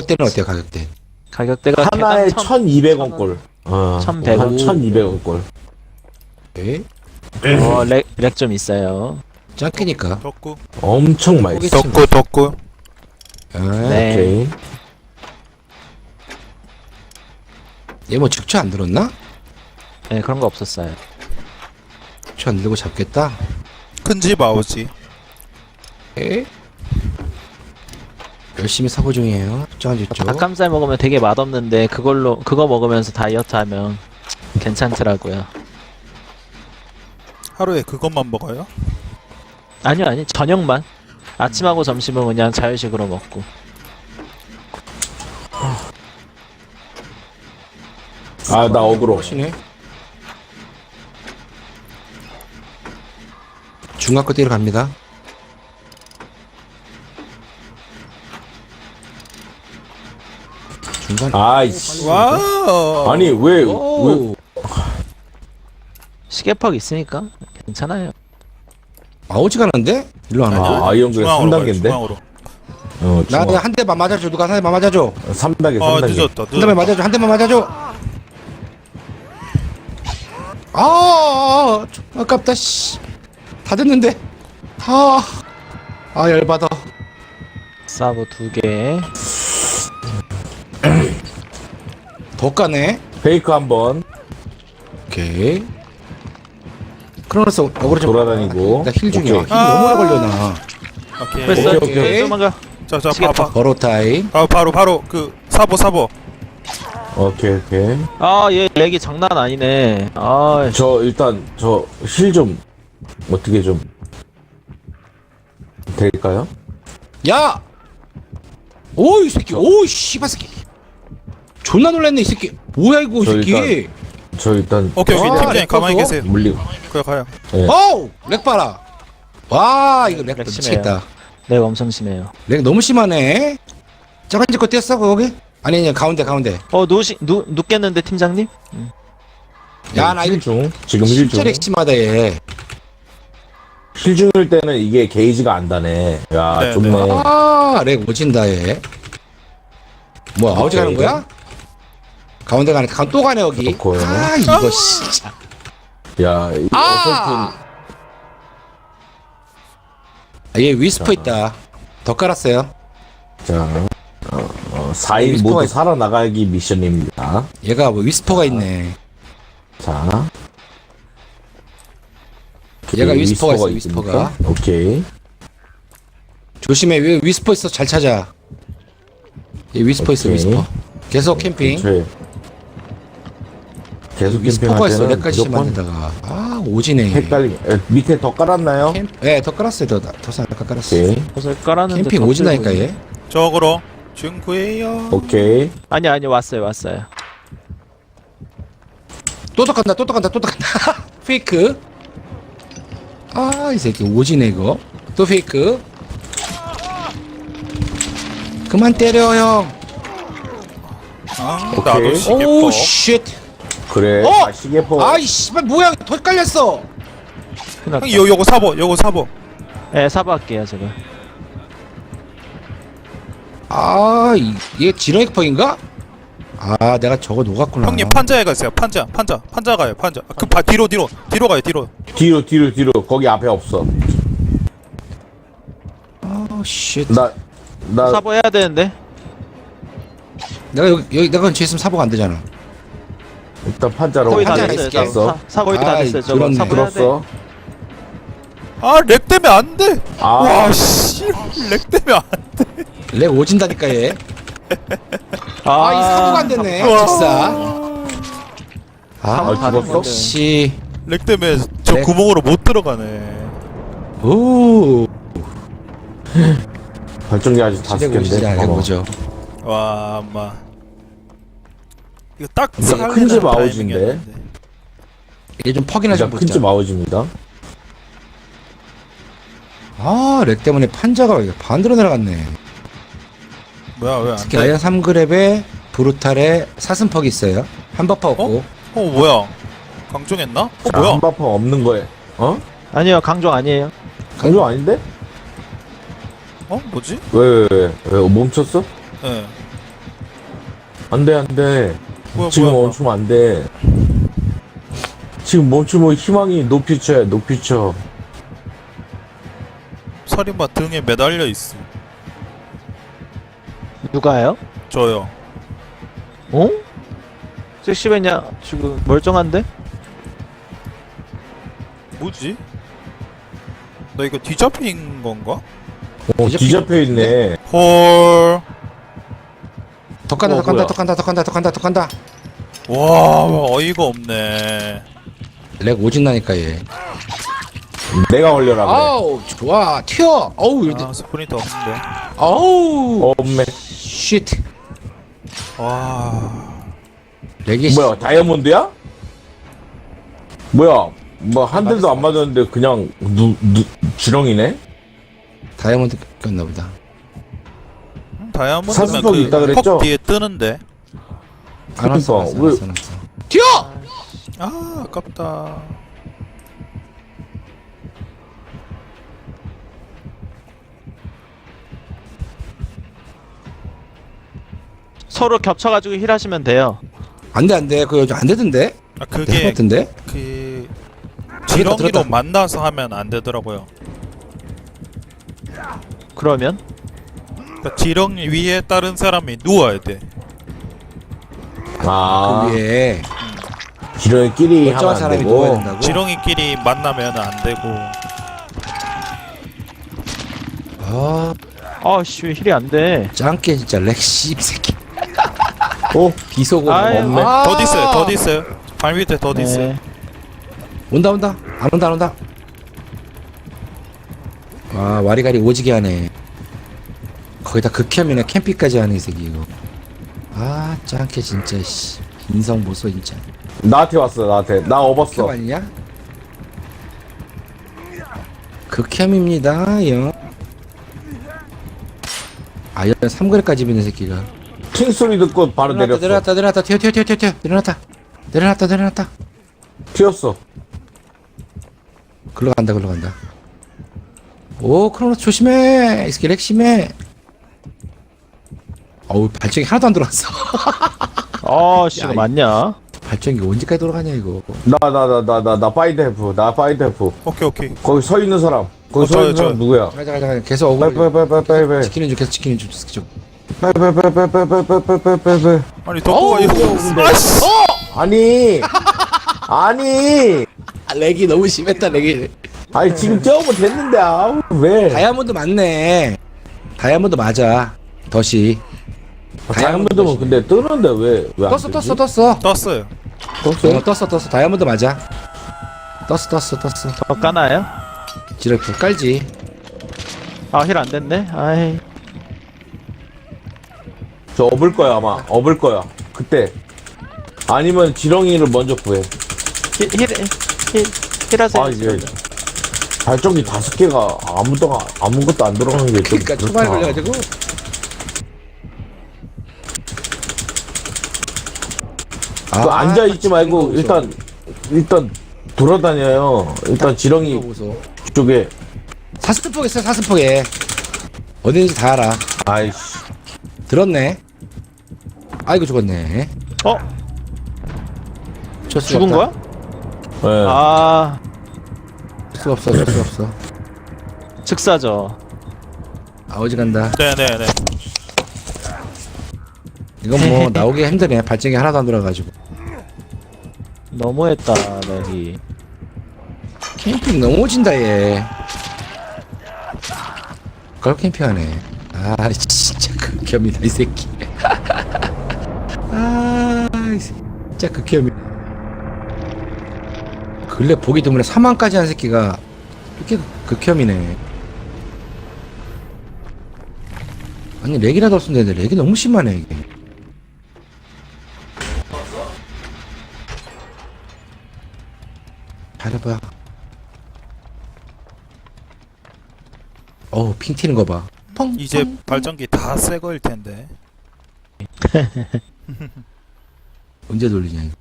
가격대는 어때요, 가격대? 가격대가 하나에 개당 1,200원 꼴. 1,100원. 한 1,200원 꼴. 네. 렉 좀 있어요. 짱키니까. 덕구 엄청 맛있어. 덕구 네. 오케이. 얘 뭐 직초 안 들었나? 네, 그런 거 없었어요. 직초 안 들고 잡겠다. 큰 집 아오지. 에? 열심히 사고 중이에요. 특정한 직초. 닭가슴살 먹으면 되게 맛없는데 그거 먹으면서 다이어트 하면 괜찮더라고요. 하루에 그것만 먹어요? 아니요, 저녁만. 아침하고 점심은 그냥 자유식으로 먹고. 아, 나 어그로. 하시네. 중학교 때로 갑니다. 중간. 아이씨. 와우. 아니, 왜. 오. 시계팍 있으니까 괜찮아요. 아오지가 않은데? 일로 안 와. 아, 이 형들 중앙으로 가요, 3단계인데? 중앙으로. 나 한 대만 맞아줘. 누가 한 대만 맞아줘. 3단계, 아 3단계. 늦었다. 한 대만 맞아줘. 한 대만 맞아줘. 아깝다. 씨. 다 됐는데. 열받아. 사보 2개. 더 까네. 페이크 한 번. 오케이. 크로노스 어그로 좀 돌아다니고. 나 힐 중이야. 힐 오케이. 너무 오래 걸려나. 오케이. 됐어. 오케이. 도망가. 자, 시계팍. 버로 타임. 바로 그 사보. 오케이. 얘 렉이 장난 아니네. 저, 일단, 힐 좀, 어떻게 좀, 될까요? 야! 오, 이 새끼. 오, 씨발 새끼. 존나 놀랐네, 이 새끼. 뭐야, 이거, 이 저 새끼. 저 일단, 오케이. 팀장님 렉 가만히 꺼서? 계세요. 물리고. 그래 가요. 예. 어우! 렉 봐라. 와, 이거 렉 렉 미치겠다. 렉 엄청 심해요. 렉 너무 심하네. 저건 이제 거 뗐어, 거기? 아니, 가운데. 눕겠는데 팀장님? 야, 나 이거 힐 중. 지금 힐 중. 진짜 렉 심하다, 얘. 힐 중일 때는 이게 게이지가 안 다네. 야, 네, 좋네. 네. 렉 오진다, 얘. 뭐야, 아우지 가는 거야? 가운데 가네. 또 가네, 여기. 그렇고요. 이거 진짜. 야, 이 어설픈. 얘 위스퍼 있다. 더 깔았어요. 자, 4인 위스퍼가 모두 있- 살아나가기 미션입니다. 얘가 뭐 위스퍼가 있네. 자. 얘가 오케이, 위스퍼가 있어, 있습니까? 위스퍼가. 오케이. 조심해. 왜 위스퍼 있어? 잘 찾아. 얘 위스퍼 있어, 오케이. 위스퍼. 계속 캠핑. 그렇죠. 계속 위스퍼가 있어. 캠핑할 렉까지 때는 무조건 심한데다가. 오지네. 헷갈리. 밑에 더 깔았나요? 더 깔았어요. 더 살짝 깔았어. 오케이. 옷을 깔았는데 캠핑 더 오진다니까, 들고 얘. 있네. 저거로 중구예요. 오케이. 아니 왔어요. 또 간다. 페이크. 이 새끼 오지네, 이거. 또 페이크. 그만 때려, 형. 나도 오케이. 시계퍼. 오우, 쉣. 그래. 어? 시계포. 아이, 씨발, 뭐야. 더 깔렸어. 큰일 났다. 형 요거 사보. 네, 사보 할게요 제가. 얘 지렁이펑인가? 내가 저거 녹았구나. 형님 판자에 가세요. 판자 가요. 판자. 뒤로 가요. 뒤로. 거기 앞에 없어. 쉣. 나, 사보 해야 되는데. 내가 여기 내가 근처에 있으면 사보가 안 되잖아. 일단 판자로. 거의 다 판자 됐어요. 있을게. 사보 거의 다 아이, 됐어요. 저거 그렇네. 사보 해야 돼. 들었어. 렉 때문에 안 돼. 아. 와 씨. 렉 때문에 안 돼. 렉 오진다니까 얘. 이 사보가 안 됐네. 직사. 사보 다 죽었어? 됐는데. 씨. 렉 때문에 저 렉. 구멍으로 못 들어가네. 오. 발전기 아직 렉 오지다. 5개인데. 렉 오죠. 와 엄마. 이거 딱 근데 살리는 큰집 타이밍이었는데. 아웃인데. 얘 좀 퍽이나 좀 큰집 붙자. 아웃입니다. 렉 때문에 판자가 반대로 내려갔네. 뭐야 왜 안 특히 돼? 아이언 3그랩에 브루탈에 사슴퍽이 있어요. 한버퍼 없고. 뭐야? 강종했나? 자, 뭐야? 한바펑 없는 거에. 어? 아니요 강종 아니에요. 강조 아닌데? 뭐지? 왜 멈췄어? 예. 안돼 안돼. 뭐야 지금 뭐야 멈추면 안돼. 지금 멈추면 희망이 노퓨처야 노퓨처. 살인마 등에 매달려 있어. 누가요? 저요. 어? 섹시맨이야 지금 멀쩡한데? 뭐지? 나 이거 뒤잡힌 건가? 뒤잡혀 있네. 헐. 더 간다, 어, 더 간다, 뭐야. 더 간다, 더 간다, 더 간다, 더 간다. 와 어이가 없네. 렉 오진 나니까 얘. 내가 걸려라 그래. 아우, 좋아, 튀어. 어우, 이런데. 아 스프린터 없는데. 어우, 엄매. 쉿. 와. 렉이 뭐야 다이아몬드야? 뭐야 뭐 한 대도 안 맞았는데 그냥 지렁이네? 다이아몬드 꼈나 보다. 다이아몬드면 사슴폭이 있다 그 그랬죠? 퍽 뒤에 뜨는데. 안 왔어, 안 그러니까, 왔어, 안 왔어. 튀어! 아 아깝다. 서로 겹쳐가지고 힐하시면 돼요. 안 돼, 안 돼. 그거 요즘 안 되던데? 아 될 것 그게 같은데? 그 지렁이로 들었다. 만나서 하면 안 되더라고요. 그러면 그러니까 지렁이 위에 다른 사람이 누워야 돼. 아 그 위에 지렁이끼리 하면 멀쩡한 안 사람이 누워야 되고. 된다고? 지렁이끼리 만나면 안 되고. 아, 아씨 왜 힐이 안 돼? 짱깨 진짜 렉 씹새끼. 어? 비속어. 아유, 없네. 더 있어요. 더 있어요. 발 밑에 더 있어요. 네. 온다, 온다. 안 온다, 안 온다. 와, 와리가리 오지게 하네. 거기다 극혐이네. 캠핑까지 하네, 이 새끼, 이거. 아, 짱깨 진짜, 씨. 인성 보소, 진짜. 나한테 왔어 나한테. 나 극혐 업었어. 아니냐? 극혐입니다, 형. 아, 연 3그릇까지 있는 새끼가. 팅 소리 듣고 바로 내렸어. 내려놨다, 튀어, 내려놨다. 내려놨다. 튀었어. 글로 간다. 오, 크로노스 조심해. 이 새끼 렉 심해. 어우, 발전기 하나도 안 돌아왔어. 아씨 야, 이거 맞냐? 발전기 언제까지 돌아가냐, 이거. 나 파이드해프. 나 파이드해프. 오케이. 거기 서 있는 사람. 거기 서 저요, 있는 사람 저요. 누구야? 가자. 계속 억울. 빨리. 지키는 중, 계속 지키는 중. 빨리. 아니 덕구가 이거 아씨. 아니 아, 렉이 너무 심했다, 렉이. 아니 지금 뛰어오면 됐는데 아우 왜 다이아몬드 맞네. 다이아몬드 맞아. 덫이. 다이아몬드면 근데 뜨는데 왜안 떴어. 떴어요. 떴어요? 떴어. 다이아몬드 맞아. 떴어. 더 까나요? 지랄 불 깔지. 아 힐 안 됐네. 아이 저 업을 거야 아마 업을 거야 그때 아니면 지렁이를 먼저 구해. 힐하세요. 아 이게 발전기 5개가 아무것도 안 들어가는 게 좀 그러니까 초반에 그렇다. 걸려가지고. 그 앉아 있지 말고 일단 돌아다녀요. 일단 지렁이 보소. 쪽에. 사슴폭 있어, 사슴폭에. 어딘지 다 알아. 아이씨 들었네. 아이고 죽었네. 어? 줄 수가 죽은 없다. 거야? 예. 아 줄 수가 없어. 즉사죠. 아, 어지간다. 네네네. 이건 뭐 나오기 힘드네. 발전기 하나도 안 돌아가지고. 너무했다 렉이. 캠핑 너무 오진다 얘. 걸 캠핑하네. 아 진짜 극혐이다 이 새끼. 아 진짜 극혐이. 근래 보기 드문에 사망까지 한 새끼가 이렇게 극혐이네. 아니 렉이라도 없으면 되는데 렉이 너무 심하네 이게. 잘해봐. 어우 핑 튀는 거 봐. 펑. 이제 발전기 다 새 거일 텐데. 언제 돌리냐 이거.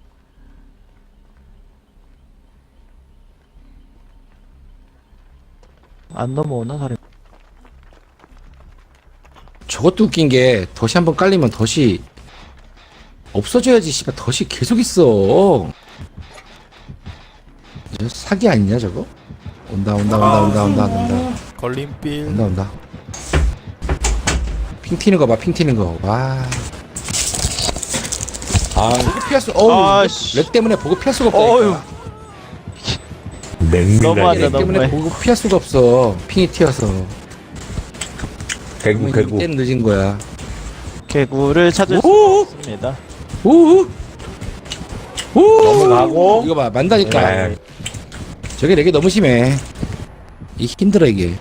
안 넘어오나 사람. 저것도 웃긴 게 덫이 한번 깔리면 덫이 없어져야지 씨발 덫이 계속 있어. 저 사기 아니냐 저거? 온다. 걸림빌. 온다. 핑 튀는 거 봐, 핑 튀는 거. 와. 보고 피할 수, 아이씨. 렉 때문에 보고 피할 수가 어휴. 없다니까. 냉랭하게. 렉 때문에 너무해. 보고 피할 수가 없어. 핑이 튀어서. 개구. 때는 늦은 거야. 개구를 찾을 수 오! 없습니다. 오! 넘어가고. 이거 봐, 만다니까. 네. 저게 렉이 너무 심해. 이 힘들어, 이게.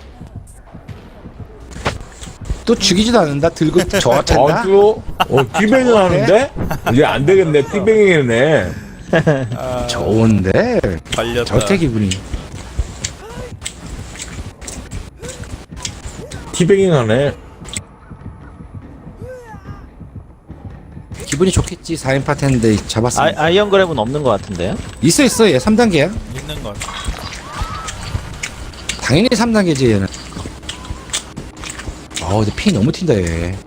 또 죽이지도 않는다? 들고 저한다? 티뱅이 하는데? 이제 안 되겠네. 티뱅이네. 아, 좋은데? 걸렸다. 저태 기분이. 티뱅이 하네. 기분이 좋겠지. 4인 파트인데 잡았으면. 아이언 그랩은 없는 것 같은데요? 있어. 얘 3단계야. 있는 건. 당연히 3단계지, 얘는. 근데 피 너무 튄다, 얘.